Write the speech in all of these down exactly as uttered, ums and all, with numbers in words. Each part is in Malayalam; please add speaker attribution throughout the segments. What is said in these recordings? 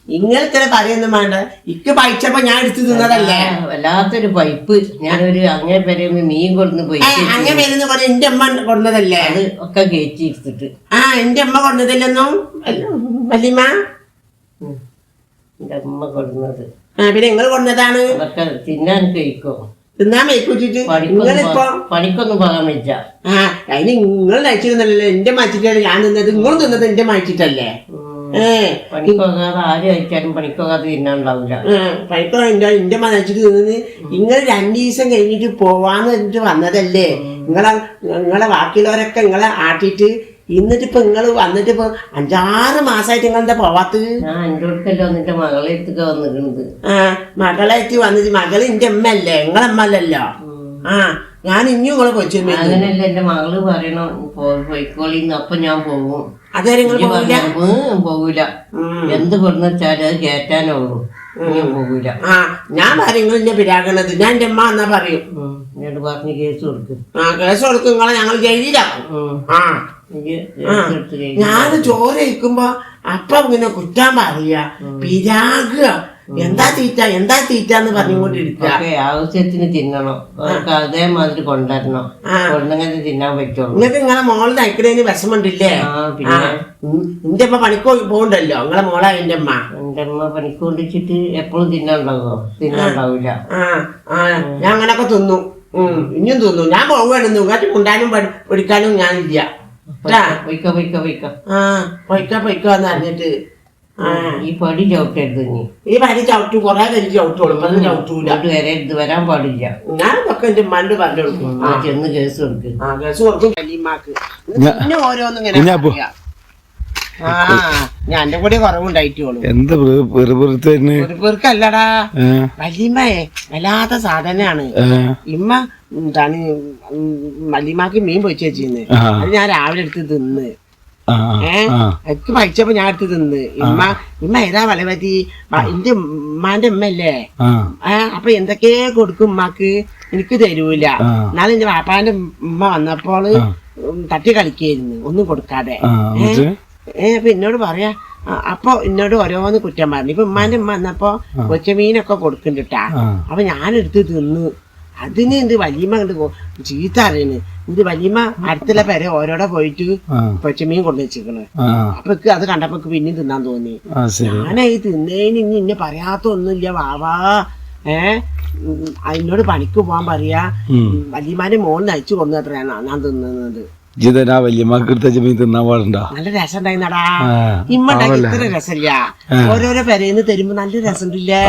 Speaker 1: ഇങ്ങനത്തെ പറയുന്നു വേണ്ട. ഇക്ക് പൈച്ചപ്പോ ഞാൻ എടുത്തു തിന്നതല്ലേ.
Speaker 2: വല്ലാത്തൊരു പൈപ്പ്. ഞാനൊരു അങ്ങനെ പേരുന്ന് മീൻ കൊടുന്ന് പോയി
Speaker 1: അങ്ങനെ പേരുന്ന് പറഞ്ഞ എന്റെ അമ്മ കൊടുന്നതല്ലേ.
Speaker 2: അത് ഒക്കെ കയറ്റി എടുത്തിട്ട്
Speaker 1: ആ എന്റെ അമ്മ കൊടുന്നതല്ലെന്നും വല്യമ്മ
Speaker 2: എന്റെ അമ്മ കൊടുന്നത്.
Speaker 1: ആ പിന്നെ നിങ്ങൾ കൊടുന്നതാണ്.
Speaker 2: അതൊക്കെ തിന്നാൻ കഴിക്കോ
Speaker 1: തിന്നാൻ വെച്ചിട്ട് നിങ്ങളിപ്പോ
Speaker 2: പണിക്കൊന്നും പോകാൻ വെച്ച.
Speaker 1: ആ അതിന് നിങ്ങൾ കഴിച്ചിരുന്നല്ലോ. എന്റെ മാറ്റിട്ടല്ലേ ഞാൻ തിന്നത്. നിങ്ങളും തിന്നത് എന്റെ മാറ്റിട്ടല്ലേ.
Speaker 2: പണിക്കോകാതെ ആര് കഴിച്ചാലും പണിക്കോകാതെ തിന്നാണ്ടാവില്ല.
Speaker 1: പണിക്കോ എന്റെ എന്റെ മതച്ചിട്ട് തിന്നത്. നിങ്ങൾ രണ്ടു ദിവസം കഴിഞ്ഞിട്ട് പോവാന്ന് പറഞ്ഞിട്ട് വന്നതല്ലേ. നിങ്ങളെ നിങ്ങളെ ബാക്കിയുള്ളവരൊക്കെ നിങ്ങളെ ആട്ടിട്ട് ഇന്നിട്ടിപ്പോ നിങ്ങള് വന്നിട്ട് ഇപ്പൊ അഞ്ചാറ് മാസമായിട്ട് നിങ്ങൾ എന്താ പോവാത്തത്?
Speaker 2: ഞാൻ എന്റെ അടുക്കല്ലോ നിന്റെ മകളെ അടുത്തൊക്കെ വന്നിട്ടുണ്ട്.
Speaker 1: ആ മകളായിട്ട് വന്നിട്ട് മകള് എന്റെ അമ്മ അല്ലേ, നിങ്ങളെ അമ്മ അല്ലല്ലോ. ആ ഞാൻ ഇനിയും നിങ്ങളെ കൊച്ചു
Speaker 2: അങ്ങനെയല്ല എന്റെ മകള് പറയണോ പോയിക്കോളിന്ന്. അപ്പൊ ഞാൻ പോകും.
Speaker 1: അതേ നിങ്ങൾ
Speaker 2: പോകൂല. എന്ത് കൊടുന്ന് വെച്ചാല് അത് കേറ്റാനുള്ളൂ. പോകൂല. ആ
Speaker 1: ഞാൻ പറയും നിങ്ങൾ എന്നെ പിരാകണത്. ഞാൻ എന്റെ അമ്മ എന്നാ പറയും.
Speaker 2: എന്നോട് പറഞ്ഞ് കേസ് കൊടുക്കും. ആ
Speaker 1: കേസ് കൊടുക്കും. നിങ്ങളെ ഞങ്ങൾ ജയിലിലാക്കും. ആ ഞാൻ ചോറ് കഴിക്കുമ്പോ അപ്പൊ ഇങ്ങനെ കുറ്റാൻ പറയാ, പിരാകുക, എന്താ തീറ്റ എന്താ തീറ്റ എന്ന് പറഞ്ഞുകൊണ്ടിരിക്കുക.
Speaker 2: ആവശ്യത്തിന് തിന്നണം. അതേമാതിരി കൊണ്ടുവരണം. കൊണ്ടെങ്കിൽ തിന്നാൻ പറ്റുള്ളൂ.
Speaker 1: നിങ്ങൾക്ക് നിങ്ങളെ മോള് നയിക്കണേന് വിഷമുണ്ടില്ലേ? എന്റെ അമ്മ പണിക്ക് പോകണ്ടല്ലോ. നിങ്ങളെ മോളാ എന്റെ അമ്മ.
Speaker 2: എന്റെ അമ്മ പണിക്ക് കൊണ്ടിച്ചിട്ട് എപ്പോഴും തിന്നാണ്ടാവോ? തിന്നാണ്ടാവൂല. ആ
Speaker 1: ആ ഞാൻ അങ്ങനൊക്കെ തിന്നു. ഉം ഇനിയും തിന്നു. ഞാൻ പോവുകയാണെന്നു. ഇങ്ങോട്ട് കൊണ്ടാനും പഠിക്കാനും ഞാനില്ല.
Speaker 2: പൊയ്ക്കോ പൊയ്ക്കോ പൊയ്ക്കോ.
Speaker 1: ആ പൊയ്ക്കോ പൊയ്ക്കോന്ന് അറിഞ്ഞിട്ട്
Speaker 2: ഈ പടി ചവിട്ടരുത്. നീ
Speaker 1: ഈ പടി ചവിട്ടു കൊറേ കഴിഞ്ഞ് ചവിട്ടോളും. ചവിട്ടൂല
Speaker 2: വരരുത്, വരാൻ പാടില്ല.
Speaker 1: ഞാൻ ഇതൊക്കെ എന്റെ ഉമ്മാന്റെ പറഞ്ഞു കൊടുക്കും.
Speaker 2: ചെന്ന് കേസ് കൊടുക്കും.
Speaker 1: ആ കേസ് കൊടുക്കും. കലീമാക്ക് പിന്നെ ഓരോന്നും ഇങ്ങനെ ആ ഞാൻ എന്റെ കൂടെ കുറവുണ്ടായിട്ടുള്ളൂ.
Speaker 3: എന്താ
Speaker 1: വെറുക്കല്ലടാ വല്യമ്മയെ വല്ലാത്ത സാധനാണ്. ഇമ്മ എന്താണ് വല്യമ്മക്ക് മീൻ പൊരിച്ച് വെച്ചിരുന്ന്. അത് ഞാൻ രാവിലെ എടുത്ത് തിന്ന്. ഏഹ് എനിക്ക് പഴിച്ചപ്പോ ഞാൻ എടുത്ത് തിന്ന്. ഇമ്മ ഇമ്മ ഏതാ വല പറ്റി എന്റെ ഉമ്മാന്റെ ഉമ്മല്ലേ. ഏഹ് അപ്പൊ എന്തൊക്കെ കൊടുക്കും ഉമ്മാക്ക്, എനിക്ക് തരൂല. എന്നാലും എന്റെ വാപ്പാന്റെ ഉമ്മ വന്നപ്പോള് തട്ടി കളിക്കായിരുന്നു ഒന്നും കൊടുക്കാതെ. ഏഹ് അപ്പൊ എന്നോട് പറയാ. അപ്പൊ എന്നോട് ഓരോന്ന് കുറ്റം പറഞ്ഞു. ഇപ്പൊ ഉമ്മാന്റെ ഉമ്മ വന്നപ്പോ കൊച്ചമീനൊക്കെ കൊടുക്കണ്ടിട്ടാ. അപ്പൊ ഞാനെടുത്ത് തിന്നു. അതിന് എന്ത് വല്യമ്മ കണ്ട് ചീത്ത അറിയണ്. ഇത് വല്യമ്മ അടുത്തുള്ള പേരെ ഓരോടെ പോയിട്ട് കൊച്ചമീൻ കൊണ്ടു വെച്ചിരിക്കണ്. അപ്പൊ അത് കണ്ടപ്പോ പിന്നെയും തിന്നാൻ തോന്നി. ഞാനായി തിന്നേന് ഇനി ഇന്നെ പറയാത്ത ഒന്നുമില്ല വാവാ. ഏഹ് അതിനോട് പണിക്ക് പോവാൻ പറയാ. വല്യമാന്റെ മോൾ നയിച്ചു കൊണ്ടുവത്രയാണ് ഞാൻ തിന്നുന്നത്. നല്ല രസം ഉണ്ടായിരുന്നടാ. ഇമ്മണ്ടാക്കി ഇത്ര രസമില്ല. ഓരോരോ പെരേന്ന് തരുമ്പോ നല്ല രസം ഉണ്ടല്ലേ.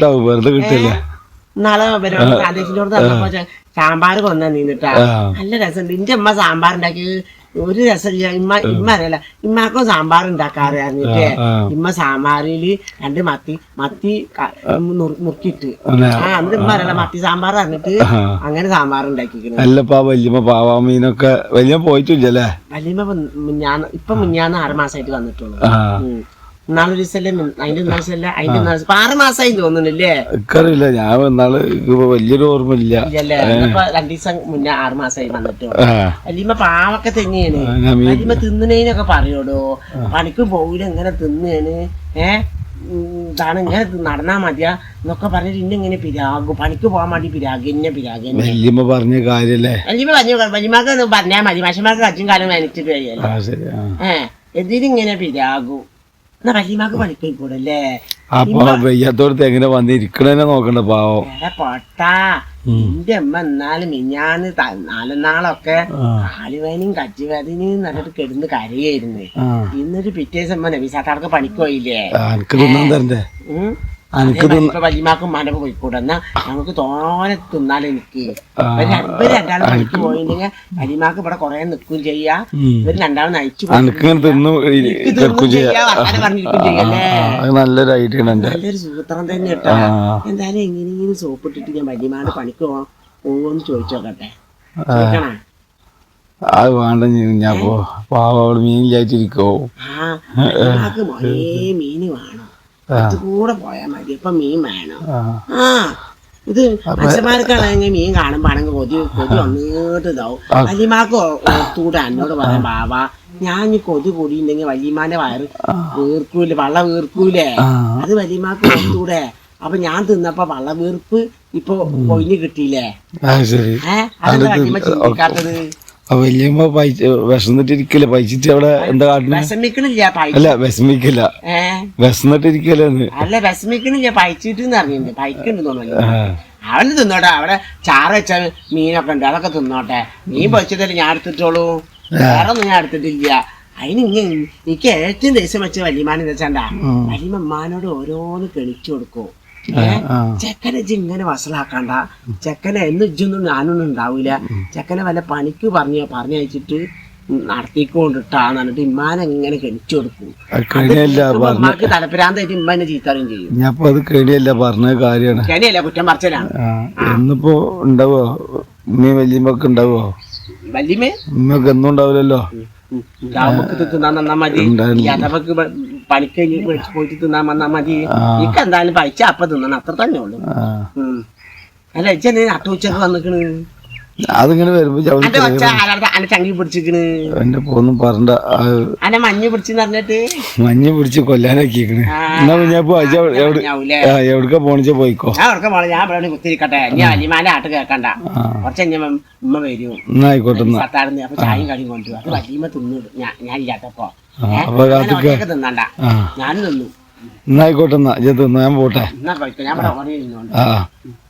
Speaker 1: നാളെ പ്രാദേശികോട് തന്നപ്പോ സാമ്പാർ കൊന്ന നിന്നിട്ടാ നല്ല രസമുണ്ട്. എന്റെ അമ്മ സാമ്പാർ ഉണ്ടാക്കി ഒരു രസമില്ല. ഇമ്മ ഇമ്മ അറിയില്ല. ഇമ്മാക്കും സാമ്പാർ ഉണ്ടാക്കാറ് അറിഞ്ഞിട്ട് ഇമ്മ സാമ്പാറില് രണ്ട് മത്തി മത്തി മുറുക്കിട്ട് ആ എന്നിട്ട് ഇമ്മ അറിയില്ല മത്തി സാമ്പാർ അറിഞ്ഞിട്ട് അങ്ങനെ സാമ്പാർ ഉണ്ടാക്കിയിരിക്കുന്നു.
Speaker 3: വലിയ പോയിട്ടില്ലല്ലേ.
Speaker 1: വല്യമ്മ ഞാൻ ഇപ്പൊ മുന്നാന്ന് ആറ് മാസമായിട്ട് വന്നിട്ടുള്ളൂ. നാളെ ദിവസല്ലേ അതിന്റെ ദിവസമല്ല അതിന്റെ ദിവസം ആറ് മാസമായി തോന്നുന്നില്ലേ.
Speaker 3: എനിക്കറിയില്ല. ഞാൻ വന്നാള് വലിയൊരു ഓർമ്മയില്ല.
Speaker 1: രണ്ടു ദിവസം മുന്നേ ആറ് മാസമായി വന്നിട്ടോ. വല്യമ്മ പാവൊക്കെ തന്നെയാണ്. വല്യമ്മ തിന്നണേനൊക്കെ പറയോടോ. പണിക്ക് പോകൂല ഇങ്ങനെ തിന്നാണ്. ഏഹ് ഇതാണ് ഇങ്ങനെ നടന്നാ മതിയാ എന്നൊക്കെ പറഞ്ഞിട്ട് ഇന്നെ ഇങ്ങനെ പിരാകും. പണിക്ക് പോകാൻ വേണ്ടി പിരാഗ് എന്നെ പിരാഗ്
Speaker 3: വല്യമ്മ പറഞ്ഞ കാര്യല്ലേ.
Speaker 1: വല്യമ്മ പറഞ്ഞു വല്യമ്മക്ക് പറഞ്ഞാൽ മതി. മനുഷ്യന്മാർക്ക് അച്ഛൻ കാലം വേനിച്ചിട്ട് കഴിയല്ലോ. ഏഹ് എന്തിനിങ്ങനെ പിരാകും. എന്നാ വല്യമ്മക്ക് പണിക്കൂടല്ലേ.
Speaker 3: വയ്യാത്തോടത്ത് എങ്ങനെ വന്നിരിക്കണേനെ നോക്കണ്ട പാവം.
Speaker 1: പൊട്ടാ എന്റെ അമ്മ എന്നാലും മിഞ്ഞാന്ന് നാലെന്നാളൊക്കെ കാലുവേനയും കച്ചുവേദനയും എന്നിട്ട് കിടന്ന് കരയായിരുന്നു. ഇന്നൊരു പിറ്റേ ദിവസം നബീസാക്കാർക്ക് പണിക്ക് പോയില്ലേ. വല്യമാക്കും മനപ്പ് പോയിക്കൂടെ. എന്നാ ഞങ്ങൾക്ക് തോനെ തിന്നാലും എനിക്ക് ഇവര് രണ്ടാളും പണിക്ക് പോയില്ലെങ്കിൽ വല്യമാക്ക് ഇവിടെ കൊറേ നിൽക്കുകയും ചെയ്യാ. ഇവര് രണ്ടാളും നയിച്ചു പറഞ്ഞിരിക്കും ചെയ്യല്ലേ.
Speaker 3: നല്ലൊരു ഐഡിയ
Speaker 1: നല്ലൊരു സൂത്രം തന്നെ കേട്ടോ. എന്തായാലും എങ്ങനെയെങ്കിലും സോപ്പിട്ടിട്ട് ഞാൻ വല്യമാട് പണിക്ക് പോവോന്ന് ചോദിച്ചോക്കട്ടെ. ചോദിക്കണേ
Speaker 3: അത് വേണ്ട. ഞാൻ പാവ മീനില്ലായിട്ടിരിക്കോ.
Speaker 1: ആ വല്യമാക്ക് മോനെ മീന് വേണം. കൂടെ പോയാ മതി. അപ്പൊ മീൻ വേണം. ആ ഇത് മനുഷ്യന്മാർക്കാണെങ്കിൽ മീൻ കാണുമ്പോ ആണെങ്കിൽ കൊതി കൊതി വന്നിട്ട് ഇതാവും. വല്യമാക്ക് തൂടെ എന്നോട് പറയാം ബാബ ഞാൻ ഈ കൊതു കൂടിയിട്ടുണ്ടെങ്കിൽ വല്യമാന്റെ വയറ് വീർക്കൂലേ വള്ള വീർക്കൂലേ അത് വല്യമാക്ക് കൊടുത്തൂടെ അപ്പൊ ഞാൻ തിന്നപ്പോ വള്ള വീർപ്പ് ഇപ്പൊ കൊയിഞ്ഞ് കിട്ടിയില്ലേ ഏഹ് അതെന്താ വല്യമ്മ ചിന്തിക്കാത്തത്?
Speaker 3: വല്യമ്മ വിശന്നിട്ടിരിക്കല്ലേ പൈച്ചിട്ട് അവിടെ എന്താ കാട്ടുന്നത്?
Speaker 1: വിഷമിക്കണില്ല
Speaker 3: അല്ല വിഷമിക്കില്ല വിശന്നിട്ടിരിക്കല്ലേ.
Speaker 1: അല്ല വിഷമിക്കണില്ല പൈച്ചിട്ട് അറിഞ്ഞിട്ടുണ്ട് പൈക്കുണ്ട് തോന്നുന്നു. അവന് തിന്നോട്ടെ അവിടെ ചാറ് വെച്ച മീനൊക്കെ ഉണ്ട് അതൊക്കെ തിന്നോട്ടെ. മീൻ പൊരിച്ചതല്ലേ ഞാൻ എടുത്തിട്ടോളൂ വേറെ ഒന്നും ഞാൻ എടുത്തിട്ടില്ല. അതിന് ഇങ്ങനെ എനിക്ക് ഏറ്റവും ദേഷ്യം വെച്ച വല്യമാനെന്ന് വെച്ചാണ്ടാ വല്യമ്മ ഉമ്മാനോട് ഓരോന്ന് കെണിച്ചു കൊടുക്കും. ചെക്കനെ ഇജ്ജ് ഇങ്ങനെ വസലാക്കണ്ട ചെക്കനെ എന്ന് ഇജ്ജൊന്നും ഞാനൊന്നും ഉണ്ടാവൂല ചെക്കനെ വല്ല പണിക്ക് പറഞ്ഞ പറഞ്ഞയച്ചിട്ട് നടത്തിക്കൊണ്ടിട്ടാന്ന് പറഞ്ഞിട്ട് ഇമ്മാനെ എങ്ങനെ കെണിച്ചു കൊടുക്കും. ഉമ്മാക്ക് തലപ്പിരാന്തായിട്ട് ഇമ്മ എന്നെ ചീത്തറിയും ചെയ്യും.
Speaker 3: ഞാൻ അത് കേടിയല്ല പറഞ്ഞ കാര്യമാണ്
Speaker 1: കെണിയല്ല കുറ്റം പറിച്ചലാണ്.
Speaker 3: എന്നിപ്പോ ഉണ്ടാവോ ഉമ്മയും വല്യമ്മക്ക് ഉണ്ടാവോ?
Speaker 1: വല്യമ്മേ
Speaker 3: ഉമ്മക്ക് എന്നും ഉണ്ടാവില്ലല്ലോ.
Speaker 1: ഉണ്ടാവുമ്പോ തിന്നാൻ തന്നാ മതി യാത്രക്ക് പണിക്ക് കഴിഞ്ഞ് പോയിട്ട് തിന്നാൻ വന്നാ മതി. എനിക്ക് എന്തായാലും പൈസ അപ്പൊ തിന്നണം അത്ര തന്നെ ഉള്ളു. അല്ല ഇജ്ജെന്നെ നട്ടുച്ചക്ക് വന്നിക്കണ്
Speaker 3: അതിങ്ങനെ വരുമ്പോ
Speaker 1: അന്റെ ചങ്കി പിടിച്ചിക്കണ്
Speaker 3: എന്റെ പോന്നും പറഞ്ഞ
Speaker 1: അന്നെ മഞ്ഞ് പിടിച്ചെന്ന് പറഞ്ഞിട്ട്
Speaker 3: മഞ്ഞ് പിടിച്ച് കൊല്ലാനാക്കിക്കണ്. എന്നാ ഞാൻ എവിടക്ക പോണിച്ച പോയിക്കോ.
Speaker 1: ഞാൻ എവിടെ പോണ ഞാൻ ഇവിടെ കുത്തിരിക്കട്ടെ ഞാൻ അലിമാന്റെ ആട്ട് കേക്കണ്ട കുറച്ച് കഴിഞ്ഞ ഉമ്മ വരും.
Speaker 3: എന്നാ ആയിക്കോട്ടെ
Speaker 1: സത്താടുന്ന് അപ്പൊ ചായയും കടിയും കൊണ്ടുപോകും. അത് വലിയ തിന്നു ഞാൻ ഇല്ലാത്തപ്പോ തിന്നണ്ട ഞാനും തിന്നു.
Speaker 3: എന്നായിക്കോട്ടെ എന്നാ ഞാൻ പോട്ടെ.
Speaker 1: എന്നാ കഴിക്കും ഞാൻ ഇവിടെ ഓടി ഇരുന്നോണ്ട്.
Speaker 3: ആ